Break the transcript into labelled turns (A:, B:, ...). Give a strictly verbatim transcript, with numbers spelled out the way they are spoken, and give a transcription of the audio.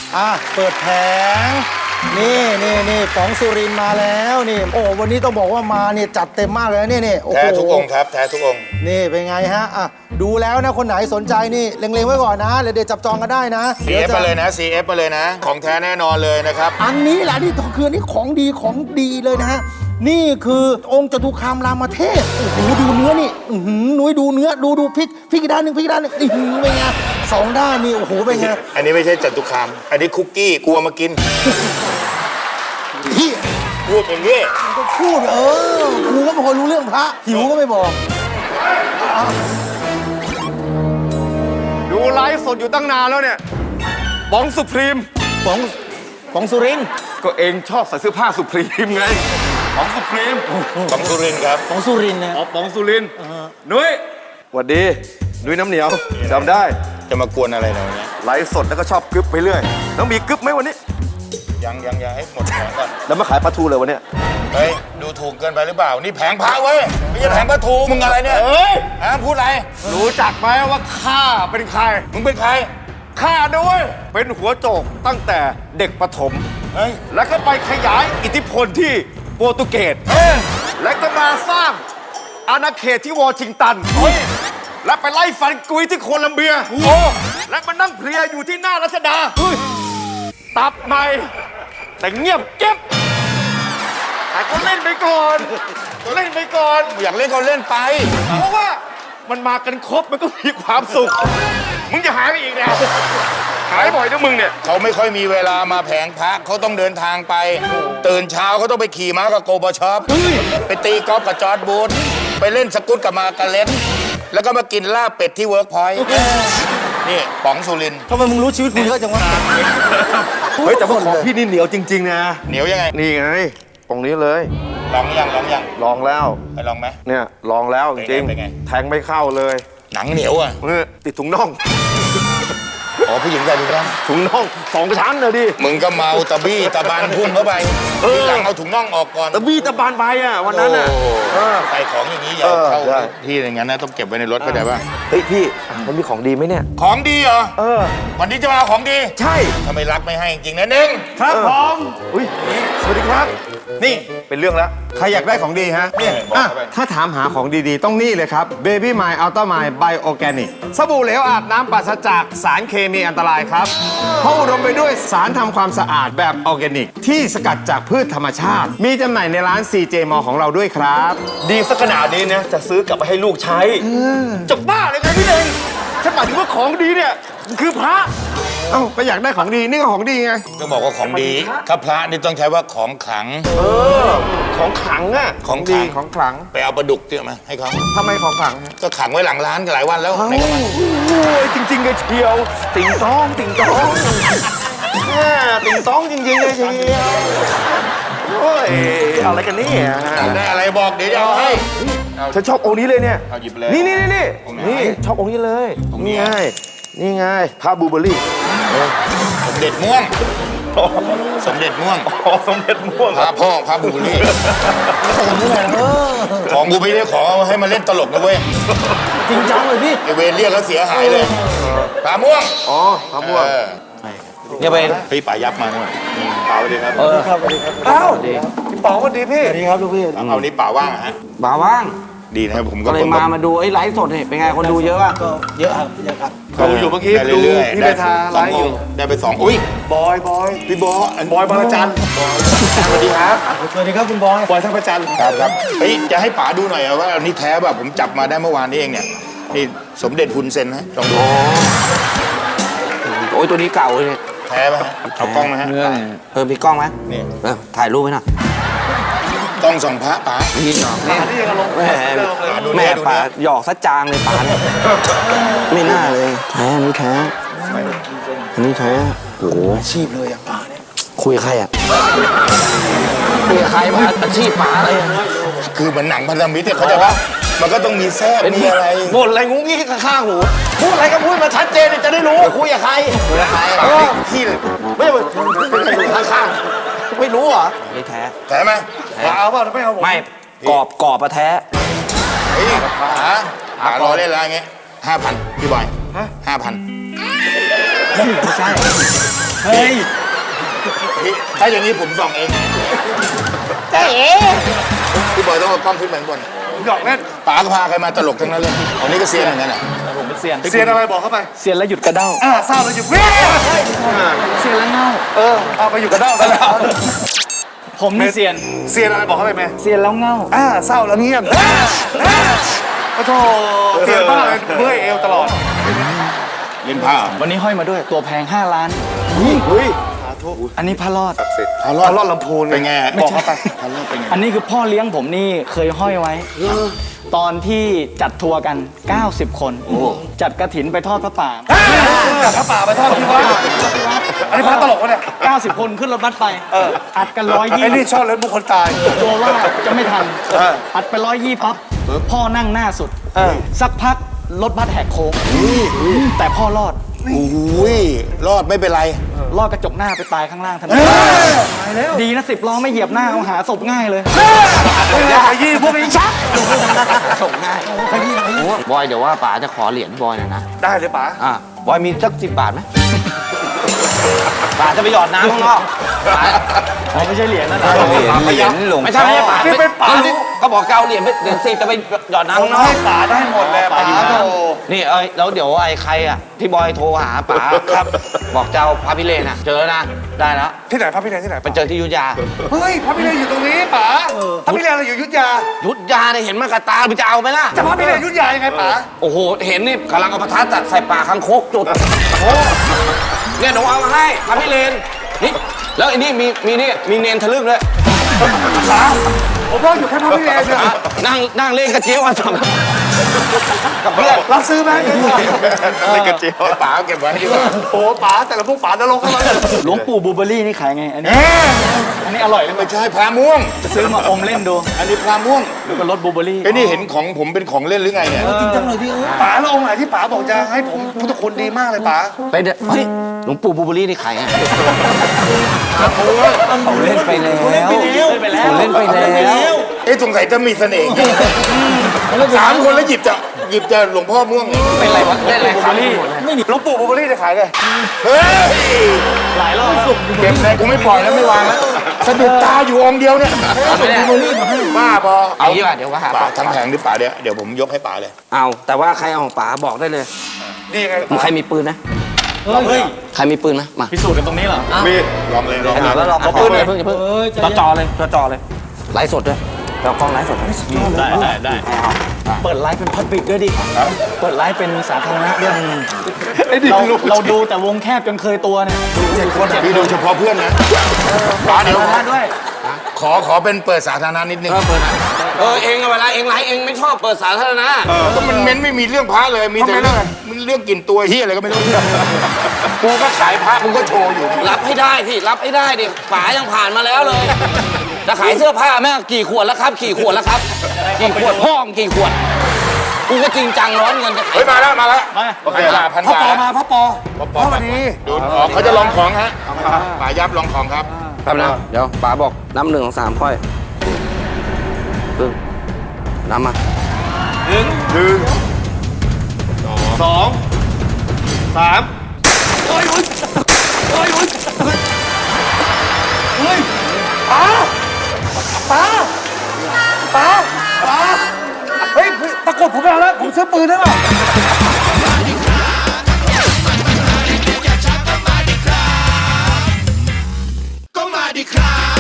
A: อ่ะเปิดแผงนี่นี่นี่ป๋องสุรินทร์มาแล้วนี่โอ้วันนี้ต้องบอกว่ามาเนี่ยจัดเต็มมากเลยนี่นี่
B: แท้ทุกองค์ครับแท้ทุกองค์
A: นี่เป็นไงฮะอ่ะดูแล้วนะคนไหนสนใจนี่เล็งๆไว้ก่อนนะเดี๋ยวจับจองกันได้นะ
B: ซี เอฟ มาเลยนะ ซี เอฟ มาเลยนะของแท้แน่นอนเลยนะครับ
A: อันนี้แหละนี่คือนี่ของดีของดีเลยนะฮะนี่คือองค์จตุคามรามเทพโอ้โหดูเนื้อนี่อื้อหือนุ้ยดูเนื้อดูดูพริกพริกอีกด้านหนึ่งพริกอีกด้านหนึ่งอื้อหือเป็นไงสองด้านนี่โอ้โหเป็นไง
B: อันนี้ไม่ใช่จตุคามอันนี้คุกกี้กลัวมากิน
A: พี่
B: พูดอย่างนี้
A: ก็พูดเออกูก็ไม่ค่อยรู้เรื่องพระหิวก็ไม่บอก
C: ดูไลฟ์สดอยู่ตั้งนานแล้วเนี่ยป๋องสุพรีม
A: ป๋องป๋องสุรินทร์
C: ก็เองชอบใส่เสื้อผ้าสุพรีมไงป๋องสุพรีม
B: ป๋องสุรินครับ
A: ป๋องสุรินนะ
C: อ๋อป๋องสุรินนุ้ยสวัสดีนุ้ยน้ำเหนียวจำได้
B: จะมากวนอะไรเราเนี่ย
C: ไลฟ์สดแล้วก็ชอบกึ๊บไปเรื่อยแล้วมีกึ๊บไหมวันนี้
B: ยังยังยังให้หมดแผงก่อน
C: แล้วมาขายปลาทูเลยวันนี้
B: เฮ้ยดูถูกเกินไปหรือเปล่านี่แผงพระเว้ยไม่ใช่แผงปลาทูมึงอะไรเนี่ยเฮ้ยฮะพูดอะไร
C: รู้จักไหมว่าข้าเป็นใคร
B: มึงเป็นใคร
C: ข้าด้วยเป็นหัวโจกตั้งแต่เด็กประถม
B: เฮ้ย
C: แล้วก็ไปขยายอิทธิพลที่โปรตุเกสและก็มาสร้างอาณาเขตที่วอชิงตันและไปไล่ฟันกุยที่โคลัมเบียโอ้และมานั่งเพลียอยู่ที่หน้ารัชดาตับใหม่แต่เงียบเก็บแต่ก็เล่นไปก่อนเล่นไปก่อน
B: อยากเล่นก็เล่นไป
C: เพราะว่ามันมากันครบมันก็มีความสุขมึงจะหายไปอีกแล้วหายบ่อยนะมึงเนี่ย
B: เขาไม่ค่อยมีเวลามาแผงพระเขาต้องเดินทางไปตื่นเช้าเขาต้องไปขี่ม้ากับโกบช็อปไปตีกอล์ฟกับจอร์ดบูธไปเล่นสกุตกับมากาเล่นแล้วก็มากินลาบเป็ดที่เวิร์กพอยต์นี่ป๋องสุรินทร์
A: ทำไมมึงรู้ชีวิตคุณเยอะจังวะ
C: เฮ้ยแต่ว่าของพี่นี่เหนียวจริงๆนะ
B: เหนียวยังไง
C: นี่ไงตรงนี้เลย
B: ลองยังลองยัง
C: ลองแล้ว
B: ไปลองไหม
C: เนี่ยลองแล้วจริงแทงไม่เข้าเลย
B: หนังเหนียวอ่ะ
C: ติดถุงน่อง
B: อ๋อผู้หญิงใส่ถุงน่อง
C: ถุงน่องสองชั้นเลยดิ
B: มึงก็เมาตะบี้ตะบานพุ่งเข้าไปทีหลังเอาถุงน่องออกก่อน
C: ตะบี้ตะบานไปอ่ะวันนั้นอ่ะ
B: ใส่ของอย่างนี้อย่าเข้าที่อย่างนั้นนะต้องเก็บไว้ในรถเข้าใจป่ะ
C: เฮ้ยพี่มันมีของดีไหมเนี่ย
B: ของดีเหรอ
C: เออ
B: วันนี้จะมาเอาของดี
C: ใช่
B: ทำไมรักไม่ให้จริงนะเน่ง
C: ครับผมอุ้ยสวัสดีครับ
D: นี่
C: เป็นเรื่องแล้ว
D: ใครอยากได้ของดีฮะเนี่ยถ้าถามหาของดีๆต้องนี่เลยครับ Baby My Ultra My Bio Organic สบู่เหลวอาบน้ำปราศจากสารเคมีอันตรายครับเพราะอุดมไปด้วยสารทำความสะอาดแบบออร์แกนิกที่สกัดจากพืชธรรมชาติมีจำหน่ายในร้าน ซี เจ Mall ของเราด้วยครับ
C: ดีสักขนาดนี้นะจะซื้อกลับไปให้ลูกใช้จะบ้าเลยไงพี่เองฉันหมายถึงว่าของดีเนี่ยคือพระ
D: เอ้าก็อยากได้ของดีนี่ก็ของดีไง
B: ก็บอกว่าของดีถ้าพระนี่ต้องใช้ว่าของขลัง
C: เออของขลังอะ
B: ของ
D: ดีของขลัง
B: ไปเอาปลาดุกเจอมาให้เขา
D: ทำไมของขลัง
B: ก็ขังไว้หลังร้านกันหลายวันแล้ว
C: ในกระมังโอ้ยจริงๆเลยเชียวติ่งต้องติ่งต้องติ่งต้องจริงๆเลยเชียวโอ้ยอะไรกันนี่
B: ได้อะไรบอกเดี๋ยวจะเอาให้
C: ฉันชอบองค์นี้เลยเนี่ย
B: เอาหยิบเลย
C: นี่นี่นี่นี่ชอบองค์นี้เลยนี่ไงนี่ไงพระบูเบอรี่
B: สมเด็จม่วงสมเด็จม่วง
C: อ๋อสมเด็จม่วง
B: พระพ่อพระบูเบอรี่ของกูไม่ได้ขอให้มาเล่นตลกนะเว้ย
A: จริงจังเลยพี่
B: ไอเวรเรียกแล้วเสียหายเลยพระม่วง
C: อ๋อพระม่วง
A: อย่าไป
B: พี่ป่ายับมาหน่อยป่าสวัสดีครับ
A: เออครับสวัสดีครับ
C: อ้าวพี่ป๋องสวัสดีพี่
A: สวัสดีครับลูกพี่
B: เอานี้ป่าว่างฮะ
A: ป่าว่าง
B: ดีนะครับผมก็
A: เลยมามาดูไอ้ไลฟ์สดนี่เป็นไงคนดูเยอะอ่ะก็เยอะครับเยอะครับ
C: ดูอยู่เมื่อกี้ดูพี่เบธาไลฟ์อยู่
B: ได้ไปสองอุ้ย
C: บอยบอย
B: พี่บอย
C: บอยบางระจันสวัสดีครับ
A: สวัสดีครับคุณบอย
C: บอยท่าประจัน
B: ครับครับเฮ้ยจะให้ป๋าดูหน่อยว่าอันนี้แท้แบบผมจับมาได้เมื่อวานนี้เองเนี่ยนี่สมเด็จฮุนเซนฮะลองดู
A: โอ้ยตัวนี้เก่าเลย
B: แท้ไหมเอากล้องไหมฮะ
A: เออมีกล้องไหมนี่ถ่ายรูปไหมนะ
B: กล้องส่องพระป๋า
A: นี่หยอกนี่แม่ป๋าหยอกซะจางเลยป๋าเนี่ยไม่น่าเลยแท้อันนี้แท้อันนี้แท้โอ้โหอาชีพเลยอะป๋าเนี่ยคุยใครอะคุยใครมาอาชีพป๋าอะไร
B: คือเหมือนหนังพันธมิตรเนี่ยเขาใจปะมันก็ต้องมีแทรกมีอะไร
A: หมดอะไรงุ้งงี้ข้างหูพูดอะไรก็พูดมาชัดเจนจะได้รู้คุยกับใคร
B: คุยกับใครที่
A: ไม่ไม่เป็นข้างไม่รู้เหรอไม่แท้
B: แท้ไหม
C: เอาเปล่าไม่เอา
A: ไม่กรอบกรอบมาแท้
B: เฮ้ยป๋าป๋ารอเล่นอะไรเงี้ยห้าพันพี่บอยห้าพัน
A: ไม่ใช่
B: เฮ้ยถ้าอย่างนี้ผมส่องเองเอ๊พี่บอยต้องเอากล้องขึ้นไปข้างบน
C: หยอกเล่น
B: ป๋าก็พาใครมาตลกทั้งนั้นเลยอันนี้ก็เซียนเหมือนกันอ่ะ
E: ผมเป็นเซียน
C: เซียนอะไรบอกเข้าไป
E: เซียนแล้วหยุดกระเด้า
C: อ่าทราบแล้วหยุดเว้ย
E: เซียนแล้วเง่า
C: เออเอาไปอยู่กับเด้าแล้ว
E: ผมนี่เซียน
C: เซียนอะไรบอกเข้าไปไหม
E: เซียนแล้วเง่า
C: อ่าเศร้าแล้วเงียบโอ้โหเซียนบ้าเลยเมื่อยเอวตลอด
B: เล่นผ้า
E: วันนี้ห้อยมาด้วยตัวแพงห้าล้าน
C: เฮ้ย
E: อันนี้พระรอด
B: พารอด
C: รอดลำพูน
B: เป็นไง
C: บอกเข้าไป
B: พารอดเป็นไง
E: อันนี้คือพ่อเลี้ยงผมนี่เคยห้อยไว้ ตอนที่จัดทัวร์กัน เก้าสิบ คน จัดกระถินไปทอดพระป่า
C: พระป่าไปทอดที่วัดอันนี้พระตลกวะเนี่ย
E: เก้าสิบ คนขึ้นรถบัสไป อัดกันร้อยยี่
C: ไอ้นี่ชอบเล่นบุคคลตาย
E: ตัวว่าจะไม่ทัน
C: เออ
E: อัดไปร้อยยี่ปั๊บ พ่อนั่งหน้าสุด สักพักรถบัสแหกโค้งแต่พ่อรอด
B: อุ้ยรอดไม่เป็นไร
E: รอดกระจกหน้าไปตายข้างล่างทันทีดีนะสิบล้อไม่เหยียบหน้าเอาหาศพง่ายเลย
C: ขยี้พวกนี้ชัก
A: ส่งง่ายบอยเดี๋ยวว่าป๋าจะขอเหรียญบอยหน่อยนะ
C: ได้เลยป๋า
A: อ่ะบอยมีสักสิบบาทไหมป๋าจะไปหยอดน้ำข้างนอกป๋า
E: อ๋อไม่ใช่เหรียญนั่นเหรอ
A: เหรียญหลวงไม่ใช่ไม่ใช่ป๋า
C: นี่เป็นป๋า
A: ก็บอกเกาเหรียญเหรียญสิบจะไปหยอดน้ำข้างนอก
C: ให้ป๋าได้หมดเลยป๋าโต
A: นี่เอ้ยแล้วเดี๋ยวไอ้ใครอ่ะที่บอยโทรหาป๋าครับ บอกเจ้าพระพิเรนอ่ะ เจอแล้วนะ ได้แล้ว
C: ที่ไหนพระพิเรนที่ไหน
A: ไปเจอที่อยุธยา
C: เฮ้ยพระพิเรนอยู่ตรงนี้ป๋าพระพิเรนเราอยู่อยุธยา
A: อยุธยาเนี่ยเห็นมากระตาไปจะเอาไหมล่ะ
C: จะพระพิเรนอยุธยายังไงป๋า
A: โอ้โห เห็นนี่กำลังเอาประทัดอะใส่ปากคังคกจุดโอ้เนี่ยหนูเอามาให้พระพิเรนนี่แล้วไอ้นี่มีมีนี่มีเนนทะลึ่งด้วย
C: ป๋าผมว่าอยู่แค่พระพิเรนเนี่ย
A: นั่งนั่งเล่นกระเจี๊ยวกันกับเพื่อน
C: รับซื้อไหมเงินก่อน
B: ไม่กระเจียวป๋าเอาเก็บไว้ดีกว่า
C: โอ้ป๋าแต่ละพวกป๋านรกทั้งนั้นเลย
E: หลวงปู่บูเบอรี่นี่ขายไง อันนี้ อันนี้อร่อยเลย
B: ไม่ใช่พระม่วง
E: จะซื้อมาอมเล่นดู
B: อันนี้พระม่วง
E: แล้วก็รสบูเบอรี่
B: ไอ้นี่เห็นของผมเป็นของเล่นหรือไงเนี่ย
C: จริงจังเลยพี่ป๋าแล้วองค์ไหนที่ป๋าบอกจะให้ผมพุทธคุณดีมากเลยป๋า
A: ไปเด้อเฮ้ยหลวงปู่บูเบอรี่นี่ขายไง
B: โอ้ย
A: เขาเล่นไปแล้ว
E: เล่นไปแล้ว
A: เขาเล่นไปแล้ว
B: เอ๊ะสงสัยจะมีเสน่ห์จริงสามคนแล้วหยิบจะหยิบจะหลวงพ่อม่วง
A: เป็นไรวะเล่นอะไร
E: บู
A: ค
E: เบ
A: รั
E: อบ รี่ไม่มี
C: หลวงปู่บุบลี่จะขายไง
B: เฮ้ย
E: หลายรอบแล้ว
B: เก็บเลยกูไม่ปล่อยแล้วไม่วางแล้วสะดุดตาอยู่องค์เดียวเนี่ยบ้าบอ
A: เอางี้ป่ะเดี๋ยวก็หา
B: ป๋า
A: ป๋า
B: ทั้งแผงหรือป๋าเดี๋ยวเดี๋ยวผมยกให้ป๋าเลย
A: เอาแต่ว่าใครเอาของป๋าบอกได้เลย
C: นี่ไง
A: ใครมีปืนนะ
E: เฮ้ย
A: ใครมีปืนนะมา
E: พิสูจน์กันตรงนี้เหรอ
B: มีลองเลยลอง
A: ขนาด
B: เล
A: ว่าย เราเอาปืนเลยเพิ่งอย่าเพิ่งจ่อจ่อเลยจ่อจ่อเลยไลฟ์สดด้วยเรากล้องไลฟ์สดด้วย
E: ได้ได้ได้เปิดไลฟ์เป็นพับบิกด้วยดิ เปิดไลฟ์เป็นสาธารณะด้วยเราเราดูแต่วงแคบจนเคยตัวเนี่ย
B: พี่ดูเฉพาะเพื่อนนะป๋าเดี๋ยว
E: สาธารณะด้วย
B: ขอขอเป็นเปิดสาธารณะนิดนึง
A: เออเองอะเวลาเองไลฟ์เองไม่ชอบเปิดสาธารณะ
B: ก็มันเม้นไม่มีเรื่องพระเลยมีแต่เรื่องมันเรื่องกลิ่นตัวเฮียอะไรก็ไม่รู้กูก็ขายพระมึงก็โชว์อยู่
A: รับให้ได้สิรับให้ได้ดิป๋ายังผ่านมาแล้วเลยจะขายเสื้อผ้าแม่งกี่ขวดแล้วครับกี่ขวดแล้วครับกี่ขวดพ่อมงกี่ขวดกูก็จริงจังร้อนเงินจะขาย
B: เฮ้ยมาแล้วมาแล้ว
E: มา
B: โอเคละพัน
C: พ่อบ
B: า
C: ปอ
B: ท
C: มาพ่อปอพ่อวันนี้
B: ดูอ๋อเขาจะลองของฮะป๋ายับลองของครับ
A: แป๊บนะเดี๋ยวป๋าบอกน้ำหนึ่งของสามค่อยครึ่งน้ำมา
C: หนึ่งสองสามเฮ้ยเฮ้ยเฮ้ยป๋าป๋าป๋าป๋าเฮ้ยตะกรุดผมไม่เอาแล้วผมซื้อปืนได้ป่ะ
F: ก็มาดิครับ